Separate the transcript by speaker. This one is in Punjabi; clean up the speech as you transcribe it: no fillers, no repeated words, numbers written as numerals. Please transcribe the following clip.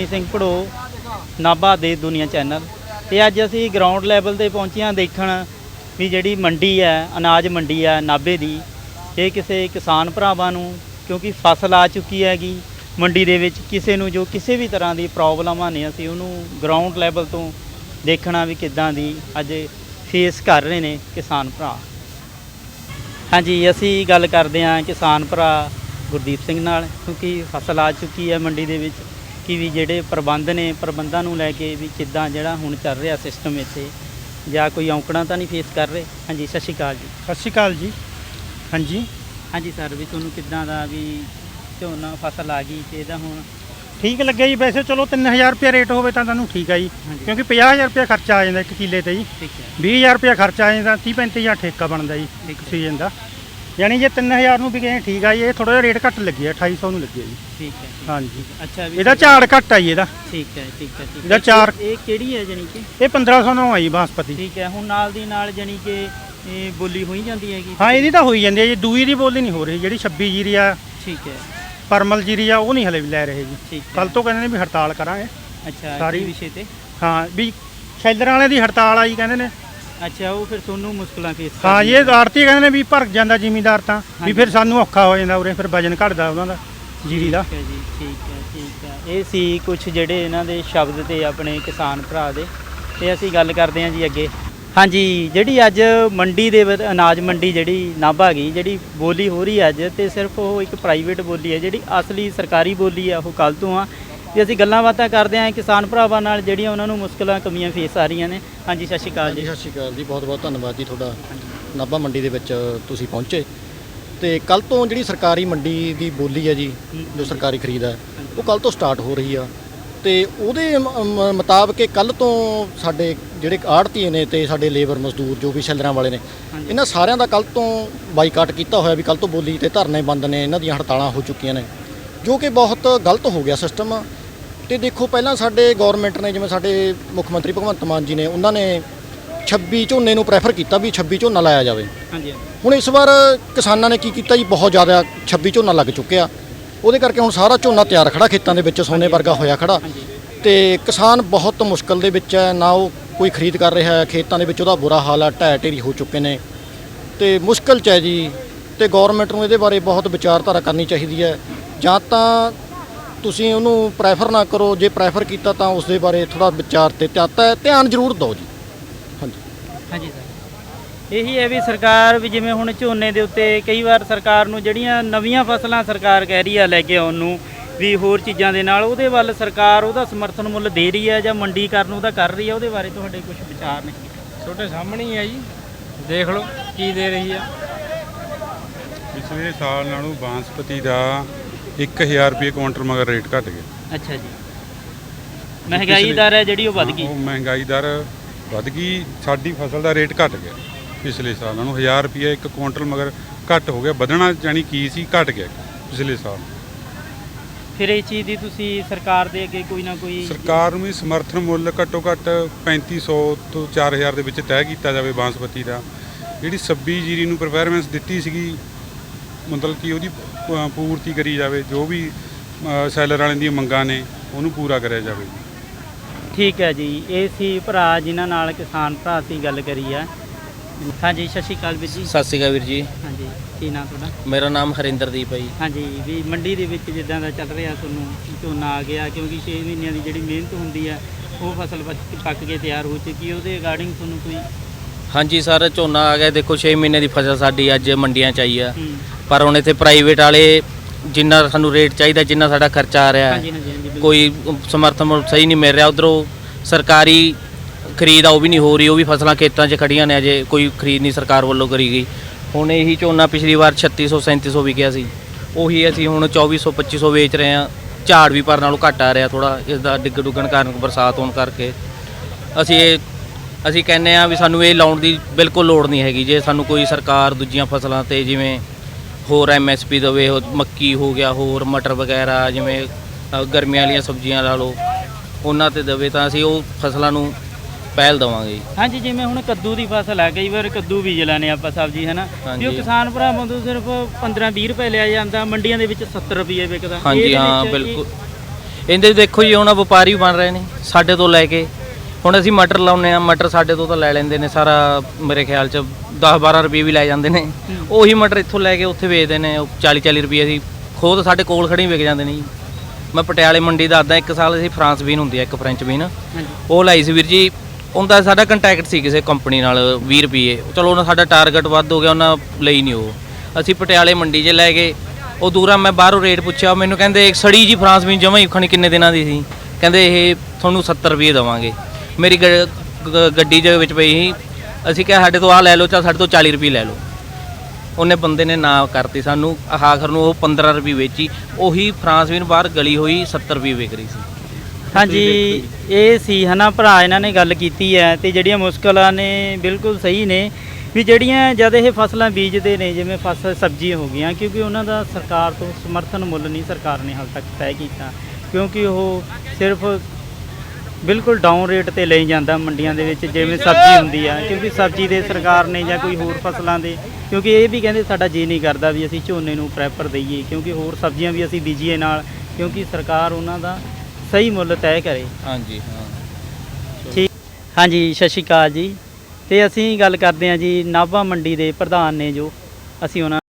Speaker 1: ਸਿੰਘ ਭੜੋ, ਨਾਭਾ ਦੇ ਦੁਨੀਆ ਚੈਨਲ। ਤੇ ਅੱਜ ਅਸੀਂ ਗਰਾਊਂਡ ਲੈਵਲ ਤੇ ਪਹੁੰਚੇ ਹਾਂ ਦੇਖਣ ਵੀ ਜਿਹੜੀ ਮੰਡੀ ਹੈ, ਅਨਾਜ ਮੰਡੀ ਹੈ ਨਾਭੇ ਦੀ, ਇਹ ਕਿਸੇ ਕਿਸਾਨ ਭਰਾਵਾਂ ਨੂੰ, ਕਿਉਂਕਿ ਫਸਲ ਆ ਚੁੱਕੀ ਹੈਗੀ ਮੰਡੀ ਦੇ ਵਿੱਚ, ਕਿਸੇ ਨੂੰ ਜੋ ਕਿਸੇ ਵੀ ਤਰ੍ਹਾਂ ਦੀ ਪ੍ਰੋਬਲਮਾਂ ਨੇ, ਅਸੀਂ ਉਹਨੂੰ ਗਰਾਊਂਡ ਲੈਵਲ ਤੋਂ ਦੇਖਣਾ ਵੀ ਕਿੱਦਾਂ ਦੀ ਅੱਜ ਫੇਸ ਕਰ ਰਹੇ ਨੇ ਕਿਸਾਨ ਭਰਾ। ਹਾਂਜੀ, ਅਸੀਂ ਗੱਲ ਕਰਦੇ ਹਾਂ ਕਿਸਾਨ ਭਰਾ ਗੁਰਦੀਪ ਸਿੰਘ ਨਾਲ, ਕਿਉਂਕਿ ਫਸਲ ਆ ਚੁੱਕੀ ਹੈ ਮੰਡੀ ਦੇ ਵਿੱਚ, ਕਿ ਵੀ ਜਿਹੜੇ ਪ੍ਰਬੰਧ ਨੇ, ਪ੍ਰਬੰਧਾਂ ਨੂੰ ਲੈ ਕੇ ਵੀ ਕਿੱਦਾਂ ਜਿਹੜਾ ਹੁਣ ਚੱਲ ਰਿਹਾ ਸਿਸਟਮ ਇੱਥੇ, ਜਾਂ ਕੋਈ ਔਂਕੜਾਂ ਤਾਂ ਨਹੀਂ ਫੇਸ ਕਰ ਰਹੇ। ਹਾਂਜੀ, ਸਤਿ ਸ਼੍ਰੀ ਅਕਾਲ ਜੀ।
Speaker 2: ਸਤਿ ਸ਼੍ਰੀ ਅਕਾਲ ਜੀ। ਹਾਂਜੀ
Speaker 1: ਹਾਂਜੀ ਸਰ, ਵੀ ਤੁਹਾਨੂੰ ਕਿੱਦਾਂ ਦਾ ਵੀ ਝੋਨਾ ਫਸਲ ਆ ਗਈ ਤੇ ਇਹਦਾ ਹੁਣ
Speaker 2: ਠੀਕ ਲੱਗਿਆ ਜੀ। ਵੈਸੇ ਚਲੋ 3000 ਰੁਪਏ ਰੇਟ ਹੋਵੇ ਤਾਂ ਤੁਹਾਨੂੰ ਠੀਕ ਆ ਜੀ, ਕਿਉਂਕਿ 50000 ਰੁਪਏ ਖਰਚਾ ਆ ਜਾਂਦਾ ਇੱਕ ਕਿੱਲੇ ਤੇ ਜੀ।
Speaker 1: ਠੀਕ ਹੈ।
Speaker 2: 20000 ਰੁਪਏ ਖਰਚਾ ਆ ਜਾਂਦਾ, 30-35 ਹਜ਼ਾਰ ਠੇਕਾ ਬਣਦਾ ਜੀ ਇੱਕ ਸੀਜ਼ਨ ਦਾ। ਯਾਨੀ ਜੇ 3000 ਨੂੰ ਵੀ ਗਏ ਠੀਕ ਆ ਜੀ। ਇਹ ਥੋੜਾ ਜਿਹਾ ਰੇਟ ਘੱਟ ਲੱਗਿਆ, 2800 ਨੂੰ ਲੱਗਿਆ ਜੀ।
Speaker 1: ਠੀਕ ਹੈ।
Speaker 2: ਹਾਂਜੀ,
Speaker 1: ਅੱਛਾ, ਵੀ
Speaker 2: ਇਹਦਾ ਝਾੜ ਘੱਟ ਆ ਜੀ ਇਹਦਾ।
Speaker 1: ਠੀਕ ਹੈ, ਠੀਕ ਹੈ, ਠੀਕ
Speaker 2: ਇਹਦਾ
Speaker 1: ਹੈ।
Speaker 2: ਚਾਰ
Speaker 1: ਇਹ ਕਿਹੜੀ ਹੈ ਜਾਨੀ ਕਿ?
Speaker 2: ਇਹ 1509 ਆ ਜੀ ਬਾਸਪਤੀ।
Speaker 1: ਠੀਕ ਹੈ। ਹੁਣ ਨਾਲ ਦੀ ਨਾਲ ਜਾਨੀ ਕਿ ਇਹ ਬੋਲੀ ਹੋਈ ਜਾਂਦੀ ਹੈਗੀ?
Speaker 2: ਹਾਂ, ਇਹਦੀ ਤਾਂ ਹੋਈ ਜਾਂਦੀ ਹੈ ਜੀ। ਦੂਈ ਦੀ ਬੋਲੀ ਨਹੀਂ ਹੋ ਰਹੀ, ਜਿਹੜੀ 26 ਜੀਰੀ ਆ,
Speaker 1: ਠੀਕ ਹੈ,
Speaker 2: ਪਰਮਲ ਜੀਰੀ ਆ, ਉਹ ਨਹੀਂ ਹਲੇ ਵੀ ਲੈ ਰਹੇ ਜੀ।
Speaker 1: ਠੀਕ ਹੈ।
Speaker 2: ਕੱਲ ਤੋਂ ਕਹਿੰਦੇ ਨੇ ਵੀ ਹੜਤਾਲ ਕਰਾਂਗੇ।
Speaker 1: ਅੱਛਾ,
Speaker 2: ਸਾਰੀ
Speaker 1: ਵਿਸ਼ੇ ਤੇ?
Speaker 2: ਹਾਂ, ਵੀ ਸ਼ੈਲਰਾਂ ਵਾਲਿਆਂ ਦੀ ਹੜਤਾਲ ਆਈ ਕਹਿੰਦੇ ਨੇ।
Speaker 1: ਅੱਛਾ, ਉਹ ਫਿਰ ਤੁਹਾਨੂੰ ਮੁਸ਼ਕਲਾਂ ਫੇਸ
Speaker 2: ਹਾਂ ਜੀ, ਇਹ ਆੜਤੀ ਕਹਿੰਦੇ ਨੇ ਵੀ ਭਰ ਜਾਂਦਾ ਜ਼ਿਮੀਂਦਾਰ ਤਾਂ, ਵੀ ਫਿਰ ਸਾਨੂੰ ਔਖਾ ਹੋ ਜਾਂਦਾ ਉਰੇ, ਫਿਰ ਵਜਨ ਘਟਦਾ ਉਹਨਾਂ ਦਾ ਜੀਰੀ ਦਾ।
Speaker 1: ਠੀਕ ਹੈ ਜੀ, ਠੀਕ ਹੈ, ਠੀਕ ਹੈ। ਇਹ ਸੀ ਕੁਝ ਜਿਹੜੇ ਇਹਨਾਂ ਦੇ ਸ਼ਬਦ ਤੇ ਆਪਣੇ ਕਿਸਾਨ ਭਰਾ ਦੇ। ਤੇ ਅਸੀਂ ਗੱਲ ਕਰਦੇ ਹਾਂ ਜੀ ਅੱਗੇ। ਹਾਂਜੀ, ਜਿਹੜੀ ਅੱਜ ਮੰਡੀ ਦੇ ਅਨਾਜ ਮੰਡੀ ਜਿਹੜੀ ਨਾਭਾ ਗਈ, ਜਿਹੜੀ ਬੋਲੀ ਹੋ ਰਹੀ ਅੱਜ, ਤੇ ਸਿਰਫ ਉਹ ਇੱਕ ਪ੍ਰਾਈਵੇਟ ਬੋਲੀ ਹੈ, ਜਿਹੜੀ ਅਸਲੀ ਸਰਕਾਰੀ ਬੋਲੀ ਆ ਉਹ ਕੱਲ੍ਹ ਤੋਂ ਆ। ਤੇ ਅਸੀਂ ਗੱਲਾਂ ਬਾਤਾਂ ਕਰਦੇ ਹਾਂ ਕਿਸਾਨ ਭਰਾਵਾਂ ਨਾਲ, ਜਿਹੜੀਆਂ ਉਹਨਾਂ ਨੂੰ ਮੁਸ਼ਕਲਾਂ ਕਮੀਆਂ ਫੇਸ ਆ ਰਹੀਆਂ ਨੇ। ਹਾਂਜੀ, ਸਤਿ ਸ਼੍ਰੀ ਅਕਾਲ ਜੀ।
Speaker 3: ਸਤਿ ਸ਼੍ਰੀ ਅਕਾਲ ਜੀ, ਬਹੁਤ ਬਹੁਤ ਧੰਨਵਾਦ ਜੀ ਤੁਹਾਡਾ। ਨਾਭਾ ਮੰਡੀ ਦੇ ਵਿੱਚ ਤੁਸੀਂ ਪਹੁੰਚੇ, ਤੇ ਕੱਲ ਤੋਂ ਜਿਹੜੀ ਸਰਕਾਰੀ ਮੰਡੀ ਦੀ ਬੋਲੀ ਹੈ ਜੀ, ਜੋ ਸਰਕਾਰੀ ਖਰੀਦ ਹੈ, ਉਹ ਕੱਲ ਤੋਂ ਸਟਾਰਟ ਹੋ ਰਹੀ ਆ। ਤੇ ਉਹਦੇ ਮੁਤਾਬਕ ਕੱਲ ਤੋਂ ਸਾਡੇ ਜਿਹੜੇ ਆੜ੍ਹਤੀਏ ਨੇ ਤੇ ਸਾਡੇ ਲੇਬਰ ਮਜ਼ਦੂਰ ਜੋ ਵੀ ਸ਼ੈਲਰਾਂ ਵਾਲੇ ਨੇ, ਇਹਨਾਂ ਸਾਰਿਆਂ ਦਾ ਕੱਲ ਤੋਂ ਬਾਈਕਾਟ ਕੀਤਾ ਹੋਇਆ, ਵੀ ਕੱਲ ਤੋਂ ਬੋਲੀ ਤੇ ਧਰਨੇ ਬੰਦ ਨੇ, ਇਹਨਾਂ ਦੀਆਂ ਹੜਤਾਲਾਂ ਹੋ ਚੁੱਕੀਆਂ ਨੇ, ਜੋ ਕਿ ਬਹੁਤ ਗਲਤ ਹੋ ਗਿਆ ਸਿਸਟਮ। ਤੇ ਦੇਖੋ, ਪਹਿਲਾਂ ਸਾਡੇ ਗੌਰਮੈਂਟ ਨੇ, ਜਿਵੇਂ ਸਾਡੇ ਮੁੱਖ ਮੰਤਰੀ ਭਗਵੰਤ ਮਾਨ ਜੀ ਨੇ, ਉਹਨਾਂ ਨੇ 26 ਝੋਨੇ ਨੂੰ ਪ੍ਰੈਫਰ ਕੀਤਾ ਵੀ 26 ਝੋਨਾ ਲਾਇਆ ਜਾਵੇ।
Speaker 1: ਹਾਂਜੀ।
Speaker 3: ਹੁਣ ਇਸ ਵਾਰ ਕਿਸਾਨਾਂ ਨੇ ਕੀ ਕੀਤਾ ਜੀ, ਬਹੁਤ ਜ਼ਿਆਦਾ 26 ਝੋਨਾ ਲੱਗ ਚੁੱਕਿਆ। ਉਹਦੇ ਕਰਕੇ ਹੁਣ ਸਾਰਾ ਝੋਨਾ ਤਿਆਰ ਖੜਾ ਖੇਤਾਂ ਦੇ ਵਿੱਚ, ਸੋਨੇ ਵਰਗਾ ਹੋਇਆ ਖੜਾ। ਤੇ ਕਿਸਾਨ ਬਹੁਤ ਮੁਸ਼ਕਲ ਦੇ ਵਿੱਚ ਹੈ, ਨਾ ਉਹ ਕੋਈ ਖਰੀਦ ਕਰ ਰਿਹਾ ਹੈ, ਖੇਤਾਂ ਦੇ ਵਿੱਚ ਉਹਦਾ ਬੁਰਾ ਹਾਲ ਹੈ, ਢਹਿ ਢੇਰੀ ਹੋ ਚੁੱਕੇ ਨੇ, ਤੇ ਮੁਸ਼ਕਲ 'ਚ ਹੈ ਜੀ। ਤੇ ਗੌਰਮੈਂਟ ਨੂੰ ਇਹਦੇ ਬਾਰੇ ਬਹੁਤ ਵਿਚਾਰਧਾਰਾ ਕਰਨੀ ਚਾਹੀਦੀ ਹੈ। ਜਾਂ ਤਾਂ ਤੁਸੀਂ ਉਹਨੂੰ ਪ੍ਰੈਫਰ ਨਾ ਕਰੋ, ਜੇ ਪ੍ਰੈਫਰ ਕੀਤਾ ਤਾਂ ਉਸ ਦੇ ਬਾਰੇ ਥੋੜ੍ਹਾ ਵਿਚਾਰ ਤੇ ਧਿਆਨ ਜ਼ਰੂਰ ਦਿਓ ਜੀ। ਹਾਂਜੀ
Speaker 1: ਹਾਂਜੀ ਸਰ, ਇਹੀ ਹੈ ਵੀ ਸਰਕਾਰ ਵੀ ਜਿਵੇਂ ਹੁਣ ਝੋਨੇ ਦੇ ਉੱਤੇ ਕਈ ਵਾਰ ਸਰਕਾਰ ਨੂੰ ਜਿਹੜੀਆਂ ਨਵੀਆਂ ਫਸਲਾਂ ਸਰਕਾਰ ਕਹਿ ਰਹੀ ਆ ਲੈ ਕੇ ਆਉਣ ਨੂੰ, ਵੀ ਹੋਰ ਚੀਜ਼ਾਂ ਦੇ ਨਾਲ, ਉਹਦੇ ਵੱਲ ਸਰਕਾਰ ਉਹਦਾ ਸਮਰਥਨ ਮੁੱਲ ਦੇ ਰਹੀ ਹੈ ਜਾਂ ਮੰਡੀਕਰਨ ਉਹਦਾ ਕਰ ਰਹੀ ਹੈ, ਉਹਦੇ ਬਾਰੇ ਤੁਹਾਡੇ ਕੁਝ ਵਿਚਾਰ ਨੇ?
Speaker 4: ਤੁਹਾਡੇ ਸਾਹਮਣੇ ਹੀ ਹੈ ਜੀ, ਦੇਖ ਲਓ ਕੀ ਦੇ ਰਹੀ ਆ।
Speaker 5: ਪਿਛਲੇ ਸਾਲ ਨਾਲੋਂ ਬਾਂਸਪਤੀ ਦਾ 1000 ਰੁਪਏ ਕੁਇੰਟਲ ਮਗਰ ਰੇਟ ਘਟ ਗਿਆ।
Speaker 1: ਅੱਛਾ ਜੀ, ਮਹਿੰਗਾਈ ਦਰ ਹੈ ਜਿਹੜੀ ਉਹ ਵੱਧ ਗਈ।
Speaker 5: ਉਹ ਮਹਿੰਗਾਈ ਦਰ ਵੱਧ ਗਈ, ਸਾਡੀ ਫਸਲ ਦਾ ਰੇਟ ਘਟ ਗਿਆ ਪਿਛਲੇ ਸਾਲ ਨਾਲੋਂ। 1000 ਰੁਪਏ ਇੱਕ ਕੁਇੰਟਲ ਮਗਰ ਘੱਟ ਹੋ ਗਿਆ। ਵਧਣਾ ਜਾਣੀ ਕੀ ਸੀ, ਘਟ ਗਿਆ ਪਿਛਲੇ ਸਾਲ।
Speaker 1: ਫਿਰ ਇਹ ਚੀਜ਼ ਦੀ ਤੁਸੀਂ ਸਰਕਾਰ ਦੇ ਅੱਗੇ ਕੋਈ ਨਾ ਕੋਈ,
Speaker 5: ਸਰਕਾਰ ਨੂੰ ਵੀ ਸਮਰਥਨ ਮੁੱਲ ਘੱਟੋ ਘੱਟ 3500 ਤੋਂ 4000 ਦੇ ਵਿੱਚ ਤੈਅ ਕੀਤਾ ਜਾਵੇ ਬਾਂਸਪਤੀ ਦਾ। ਜਿਹੜੀ 26 ਜੀਰੀ ਨੂੰ ਪ੍ਰੈਫਰੈਂਸ ਦਿੱਤੀ ਸੀਗੀ, ਮਤਲਬ ਕਿ ਉਹਦੀ ਪੂਰਤੀ ਕਰੀ ਜਾਵੇ, ਜੋ ਵੀ ਸੈਲਰ ਵਾਲਿਆਂ ਦੀਆਂ ਮੰਗਾਂ ਨੇ ਉਹਨੂੰ ਪੂਰਾ ਕਰਿਆ ਜਾਵੇ।
Speaker 1: ਠੀਕ ਹੈ ਜੀ। ਇਹ ਸੀ ਭਰਾ ਜਿਨ੍ਹਾਂ ਨਾਲ ਕਿਸਾਨ ਭਰਾ ਸੀ ਗੱਲ ਕਰੀ ਆ। ਹਾਂਜੀ, ਸਤਿ ਸ਼੍ਰੀ ਅਕਾਲ ਵੀਰ ਜੀ।
Speaker 6: ਸਤਿ ਸ਼੍ਰੀ ਅਕਾਲ ਵੀਰ ਜੀ।
Speaker 1: ਹਾਂਜੀ, ਕੀ ਨਾਮ ਤੁਹਾਡਾ?
Speaker 6: ਮੇਰਾ ਨਾਮ ਹਰਿੰਦਰਦੀਪ ਹੈ ਜੀ।
Speaker 1: ਹਾਂਜੀ, ਵੀ ਮੰਡੀ ਦੇ ਵਿੱਚ ਜਿੱਦਾਂ ਦਾ ਚੱਲ ਰਿਹਾ, ਤੁਹਾਨੂੰ ਝੋਨਾ ਆ ਗਿਆ, ਕਿਉਂਕਿ 6 ਮਹੀਨਿਆਂ ਦੀ ਜਿਹੜੀ ਮਿਹਨਤ ਹੁੰਦੀ ਹੈ ਉਹ ਫਸਲ ਪੱਕ ਕੇ ਤਿਆਰ ਹੋ ਚੁੱਕੀ, ਉਹਦੇ ਅਕਾਰਡਿੰਗ ਤੁਹਾਨੂੰ ਕੋਈ?
Speaker 6: ਹਾਂਜੀ ਸਰ, ਝੋਨਾ ਆ ਗਿਆ। ਦੇਖੋ 6 ਮਹੀਨੇ ਦੀ ਫਸਲ ਸਾਡੀ ਅੱਜ ਮੰਡੀਆਂ 'ਚ ਆਈ ਆ, ਪਰ ਹੁਣ ਇੱਥੇ ਪ੍ਰਾਈਵੇਟ ਵਾਲੇ ਜਿੰਨਾ ਸਾਨੂੰ ਰੇਟ ਚਾਹੀਦਾ, ਜਿੰਨਾ ਸਾਡਾ ਖਰਚਾ ਆ ਰਿਹਾ, ਕੋਈ ਸਮਰਥਨ ਮੁੱਲ ਸਹੀ ਨਹੀਂ ਮਿਲ ਰਿਹਾ। ਉੱਧਰੋਂ ਸਰਕਾਰੀ ਖਰੀਦ ਆ ਉਹ ਵੀ ਨਹੀਂ ਹੋ ਰਹੀ, ਉਹ ਵੀ ਫਸਲਾਂ ਖੇਤਾਂ 'ਚ ਖੜੀਆਂ ਨੇ, ਅਜੇ ਕੋਈ ਖਰੀਦ ਨਹੀਂ ਸਰਕਾਰ ਵੱਲੋਂ ਕਰੀ ਗਈ। ਹੁਣ ਇਹੀ ਝੋਨਾ ਪਿਛਲੀ ਵਾਰ 3600 3700 ਵਿਕਿਆ ਸੀ, ਉਹੀ ਅਸੀਂ ਹੁਣ 2400 2500 ਵੇਚ ਰਹੇ ਹਾਂ। ਝਾੜ ਵੀ ਪਰ ਨਾਲੋਂ ਘੱਟ ਆ ਰਿਹਾ ਥੋੜ੍ਹਾ, ਇਸ ਦਾ ਡਿੱਗ ਡੁੱਗਣ ਕਾਰਨ, ਬਰਸਾਤ ਹੋਣ ਕਰਕੇ। ਅਸੀਂ ਕਹਿੰਦੇ ਹਾਂ ਵੀ ਸਾਨੂੰ ਇਹ ਲਾਉਣ ਦੀ ਬਿਲਕੁਲ ਲੋੜ ਨਹੀਂ ਹੈਗੀ। ਜੇ ਸਾਨੂੰ ਕੋਈ ਸਰਕਾਰ ਦੂਜੀਆਂ ਫਸਲਾਂ 'ਤੇ ਜਿਵੇਂ ਹੋਰ MSP ਦੇਵੇ, ਮੱਕੀ ਹੋ ਗਿਆ, ਹੋਰ ਮਟਰ ਵਗੈਰਾ, ਜਿਵੇਂ ਗਰਮੀਆਂ ਵਾਲੀਆਂ ਸਬਜ਼ੀਆਂ ਲਾ ਲਓ, ਉਹਨਾਂ 'ਤੇ ਦੇਵੇ ਤਾਂ ਅਸੀਂ ਉਹ ਫਸਲਾਂ ਨੂੰ ਪਹਿਲ ਦੇਵਾਂਗੇ।
Speaker 1: ਹਾਂਜੀ, ਜਿਵੇਂ ਹੁਣ ਕੱਦੂ ਦੀ ਫਸਲ ਹੈ, ਕਈ ਵਾਰ ਕੱਦੂ ਬੀਜ ਲੈਂਦੇ ਆਪਾਂ ਸਬਜ਼ੀ, ਹੈ ਨਾ, ਵੀ ਉਹ ਕਿਸਾਨ ਭਰਾਵਾਂ ਤੋਂ ਸਿਰਫ 15-20 ਰੁਪਏ ਲਿਆ ਜਾਂਦਾ, ਮੰਡੀਆਂ ਦੇ ਵਿੱਚ 70 ਰੁਪਏ ਵਿਕਦਾ।
Speaker 6: ਹਾਂਜੀ ਹਾਂ, ਬਿਲਕੁਲ। ਇਹਦੇ ਦੇਖੋ ਜੀ ਹੁਣ ਵਪਾਰੀ ਬਣ ਰਹੇ ਨੇ ਸਾਡੇ ਤੋਂ ਲੈ ਕੇ। ਹੁਣ ਅਸੀਂ ਮਟਰ ਲਾਉਂਦੇ ਆ, ਮਟਰ ਸਾਡੇ ਤੋਂ ਤਾਂ ਲੈ ਲੈਂਦੇ ਨੇ ਸਾਰਾ, ਮੇਰੇ ਖਿਆਲ 'ਚ 10-12 ਰੁਪਏ ਵੀ ਲੈ ਜਾਂਦੇ ਨੇ। ਉਹੀ ਮਟਰ ਇੱਥੋਂ ਲੈ ਕੇ ਉੱਥੇ ਵੇਚਦੇ ਨੇ 40-40 ਰੁਪਏ। ਅਸੀਂ ਖੁਦ ਸਾਡੇ ਕੋਲ ਖੜੇ ਵਿਕ ਜਾਂਦੇ ਨੇ ਜੀ। ਮੈਂ ਪਟਿਆਲੇ ਮੰਡੀ ਦੱਸਦਾ, ਇੱਕ ਸਾਲ ਅਸੀਂ ਫਰਾਂਸ ਬੀਨ ਹੁੰਦੀ ਆ, ਇੱਕ ਫ੍ਰੈਂਚ ਬੀਨ, ਉਹ ਲਾਈ ਸੀ ਵੀਰ ਜੀ। ਉਹਦਾ ਸਾਡਾ ਕੰਟੈਕਟ ਸੀ ਕਿਸੇ ਕੰਪਨੀ ਨਾਲ 20 ਰੁਪਏ, ਚਲੋ ਉਹਨਾਂ ਸਾਡਾ ਟਾਰਗੇਟ ਵੱਧ ਹੋ ਗਿਆ, ਉਹਨਾਂ ਲਈ ਨਹੀਂ ਉਹ। ਅਸੀਂ ਪਟਿਆਲੇ ਮੰਡੀ 'ਚ ਲੈ ਗਏ, ਉਹ ਦੂਰਾ ਮੈਂ ਬਾਹਰੋਂ ਰੇਟ ਪੁੱਛਿਆ, ਮੈਨੂੰ ਕਹਿੰਦੇ ਸੜੀ ਜੀ ਫਰਾਂਸ ਬੀਨ ਜਮਾਂ ਹੀ ਖਣੀ ਕਿੰਨੇ ਦਿਨਾਂ ਦੀ ਸੀ, ਕਹਿੰਦੇ ਇਹ ਤੁਹਾਨੂੰ 70 ਰੁਪਏ ਦੇਵਾਂਗੇ। ਮੇਰੀ ਗੱਡੀ ਦੇ ਵਿੱਚ ਪਈ ਸੀ, ਅਸੀਂ ਕਿਹਾ ਸਾਡੇ ਤੋਂ ਆਹ ਲੈ ਲਓ, ਚਾਹ ਸਾਡੇ ਤੋਂ 40 ਰੁਪਏ ਲੈ ਲਓ। ਉਹਨੇ ਬੰਦੇ ਨੇ ਨਾ ਕਰਤੀ ਸਾਨੂੰ, ਆਖਰ ਨੂੰ ਉਹ 15 ਰੁਪਏ ਵੇਚੀ। ਉਹੀ ਫਰਾਂਸ ਬੀਨ ਬਾਹਰ ਗਲੀ ਹੋਈ 70 ਰੁਪਏ ਵਿਕ ਰਹੀ ਸੀ।
Speaker 1: ਹਾਂਜੀ, ਇਹ ਸੀ ਹਨਾ ਭਰਾ, ਇਹਨਾਂ ਨੇ ਗੱਲ ਕੀਤੀ ਹੈ ਤੇ ਜਿਹੜੀਆਂ ਮੁਸ਼ਕਲਾਂ ਨੇ ਬਿਲਕੁਲ ਸਹੀ ਨੇ ਵੀ ਜਿਹੜੀਆਂ ਜਦ ਇਹ ਫਸਲਾਂ ਬੀਜਦੇ ਨੇ, ਜਿਵੇਂ ਫਸਲ ਸਬਜ਼ੀਆਂ ਹੋ ਗਈਆਂ, ਕਿਉਂਕਿ ਉਹਨਾਂ ਦਾ ਸਰਕਾਰ ਤੋਂ ਸਮਰਥਨ ਮੁੱਲ ਨਹੀਂ ਸਰਕਾਰ ਨੇ ਹਾਲ ਤੱਕ ਤੈਅ ਕੀਤਾ, ਕਿਉਂਕਿ ਉਹ ਸਿਰਫ ਬਿਲਕੁਲ ਡਾਊਨ ਰੇਟ ਤੇ ਲਈ ਜਾਂਦਾ ਮੰਡੀਆਂ ਦੇ ਵਿੱਚ, ਜਿਵੇਂ ਸਬਜ਼ੀ ਹੁੰਦੀ ਆ। ਕਿਉਂਕਿ ਸਬਜ਼ੀ ਦੇ ਸਰਕਾਰ ਨੇ ਜਾਂ ਕੋਈ ਹੋਰ ਫਸਲਾਂ ਦੇ, ਕਿਉਂਕਿ ਇਹ ਵੀ ਕਹਿੰਦੇ ਸਾਡਾ ਜੀ ਨਹੀਂ ਕਰਦਾ ਵੀ ਅਸੀਂ ਝੋਨੇ ਨੂੰ ਪ੍ਰੈਫਰ ਦਈਏ, ਕਿਉਂਕਿ ਹੋਰ ਸਬਜ਼ੀਆਂ ਵੀ ਅਸੀਂ ਬੀਜੀਏ ਨਾਲ, ਕਿਉਂਕਿ ਸਰਕਾਰ ਉਹਨਾਂ ਦਾ ਸਹੀ ਮੁੱਲ ਤੈਅ ਕਰੇ।
Speaker 6: ਹਾਂਜੀ ਹਾਂ
Speaker 1: ਠੀਕ। ਹਾਂਜੀ, ਸਤਿ ਸ਼੍ਰੀ ਅਕਾਲ ਜੀ। ਤੇ ਅਸੀਂ ਗੱਲ ਕਰਦੇ ਹਾਂ ਜੀ ਨਾਭਾ ਮੰਡੀ ਦੇ ਪ੍ਰਧਾਨ ਨੇ, ਜੋ ਅਸੀਂ ਉਹਨਾਂ